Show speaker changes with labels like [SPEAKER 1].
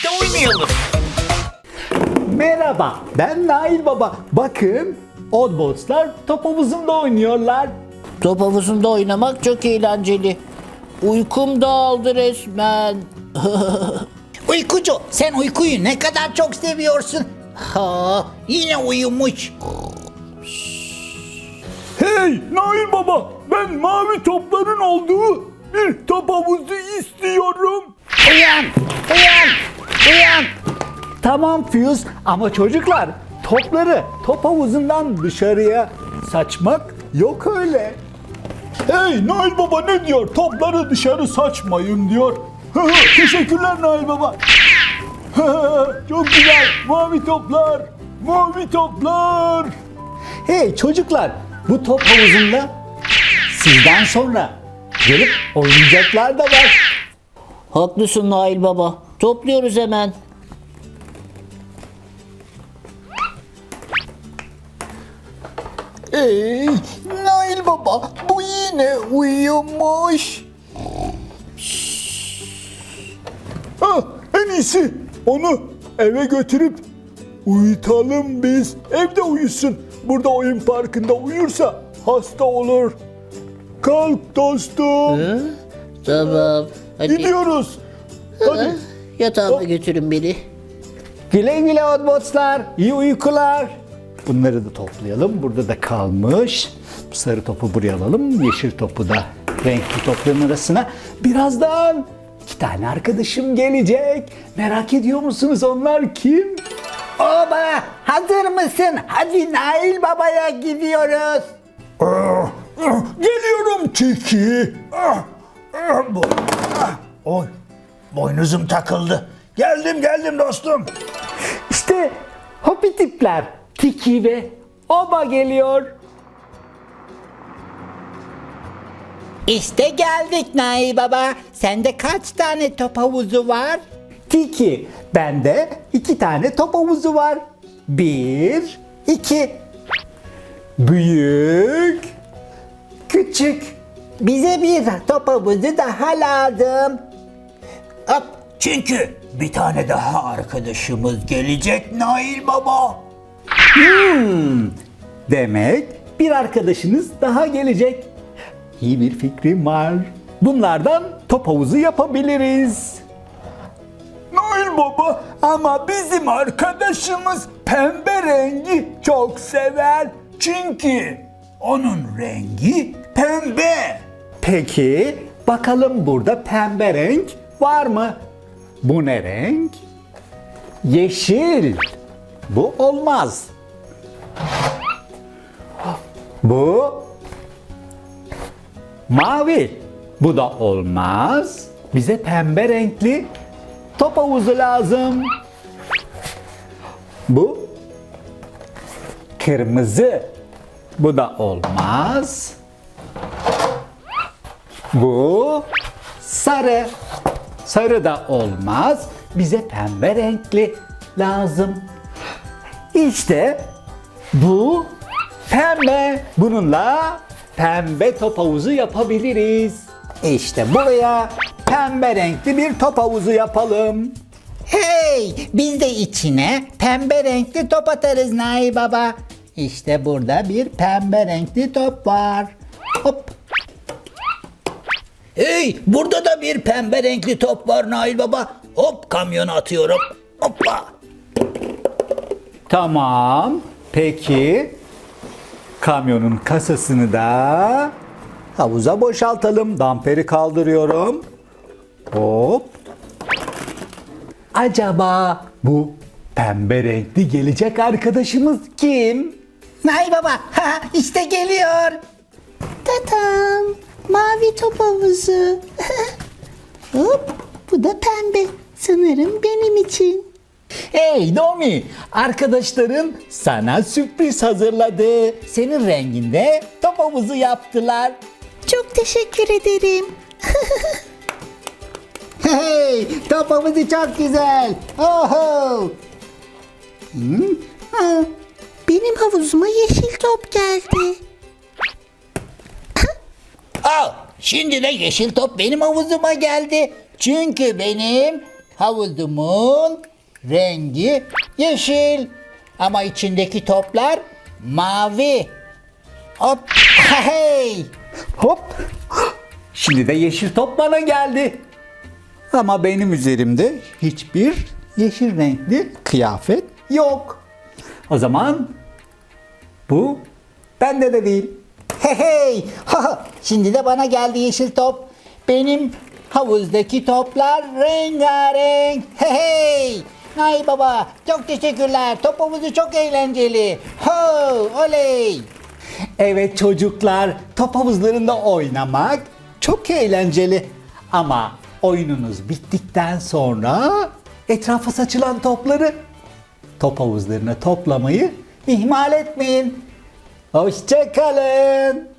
[SPEAKER 1] birlikte oynayalım.
[SPEAKER 2] Merhaba, ben Nail Baba. Bakın, Oddbots'lar top havuzunda oynuyorlar.
[SPEAKER 3] Top havuzunda oynamak çok eğlenceli. Uykum dağıldı resmen.
[SPEAKER 1] Uykucu, sen uykuyu ne kadar çok seviyorsun. Ha, yine uyumuş.
[SPEAKER 2] Hey Nail Baba, ben mavi topların olduğu bir top havuzu istiyorum.
[SPEAKER 1] Uyan, uyan, uyan.
[SPEAKER 2] Tamam Fuse, ama çocuklar, topları top havuzundan dışarıya saçmak yok öyle. Hey Nail Baba ne diyor? Topları dışarı saçmayın diyor. Teşekkürler Nail Baba. Çok güzel. Mavi toplar. Mavi toplar. Hey çocuklar, bu top havuzunda sizden sonra gelip oynayacaklar da var.
[SPEAKER 3] Haklısın Nail Baba. Topluyoruz hemen.
[SPEAKER 2] Ey Nail Baba, bu yine uyumuş. En iyisi onu eve götürüp uyutalım biz. Evde uyusun. Burada oyun parkında uyursa hasta olur. Kalk dostum.
[SPEAKER 3] Tamam. Hadi
[SPEAKER 2] Gidiyoruz. Hadi.
[SPEAKER 3] yatağıma götürün beni.
[SPEAKER 2] Güle güle Oddbots'lar. İyi uykular. Bunları da toplayalım. Burada da kalmış. Bu sarı topu buraya alalım. Yeşil topu da renkli topların arasına. Birazdan 2 tane arkadaşım gelecek. Merak ediyor musunuz onlar kim?
[SPEAKER 1] Oba, hazır mısın? Hadi Nail Baba'ya gidiyoruz.
[SPEAKER 2] Geliyorum Tiki.
[SPEAKER 4] Oy, boynuzum takıldı. Geldim dostum.
[SPEAKER 2] İşte hopi tipler. Tiki ve Oba geliyor.
[SPEAKER 1] İşte geldik Nail Baba. Sende kaç tane top havuzu var?
[SPEAKER 2] Tiki, bende 2 tane top havuzu var. 1, 2. Büyük, küçük.
[SPEAKER 1] Bize bir top havuzu daha lazım.
[SPEAKER 4] Hop, çünkü bir tane daha arkadaşımız gelecek Nail Baba.
[SPEAKER 2] Demek bir arkadaşınız daha gelecek. İyi bir fikrim var. Bunlardan top havuzu yapabiliriz. Nail Baba, ama bizim arkadaşımız pembe rengi çok sever.
[SPEAKER 4] Çünkü onun rengi pembe.
[SPEAKER 2] Peki, bakalım burada pembe renk var mı? Bu ne renk? Yeşil. Bu olmaz. Bu mavi. Bu da olmaz. Bize pembe renkli top havuzu lazım. Bu kırmızı. Bu da olmaz. Bu sarı. Sarı da olmaz. Bize pembe renkli lazım. İşte bu pembe. Bununla pembe top havuzu yapabiliriz. İşte buraya pembe renkli bir top havuzu yapalım.
[SPEAKER 1] Hey, biz de içine pembe renkli top atarız Nail Baba. İşte burada bir pembe renkli top var. Hop.
[SPEAKER 4] Hey, burada da bir pembe renkli top var Nail Baba. Hop, kamyona atıyorum. Hoppa.
[SPEAKER 2] Tamam. Peki. Kamyonun kasasını da havuza boşaltalım. Damperi kaldırıyorum. Hop. Acaba bu pembe renkli gelecek arkadaşımız kim?
[SPEAKER 1] Nail Baba, ha, işte geliyor.
[SPEAKER 5] Tatam, mavi top havuzu. Hop, bu da pembe. Sanırım benim için.
[SPEAKER 2] Hey Domi, arkadaşların sana sürpriz hazırladı. Senin renginde top havuzu yaptılar.
[SPEAKER 5] Çok teşekkür ederim.
[SPEAKER 2] Hey, top havuzu çok güzel. Oho.
[SPEAKER 5] Benim havuzuma yeşil top geldi.
[SPEAKER 1] Al, şimdi de yeşil top benim havuzuma geldi. Çünkü benim Havuzumun rengi yeşil. Ama içindeki toplar mavi. Hop. Hey.
[SPEAKER 2] Hop. Şimdi de yeşil top bana geldi. Ama benim üzerimde hiçbir yeşil renkli kıyafet yok. O zaman bu bende de değil.
[SPEAKER 1] Hey hey. Şimdi de bana geldi yeşil top. Benim havuzdaki toplar rengarenk. Hey hey. Nail Baba çok teşekkürler. Top havuzu çok eğlenceli. Ho oley.
[SPEAKER 2] Evet çocuklar, top havuzlarında oynamak çok eğlenceli. Ama oyununuz bittikten sonra etrafa saçılan topları top havuzlarına toplamayı ihmal etmeyin. Hoşça kalın.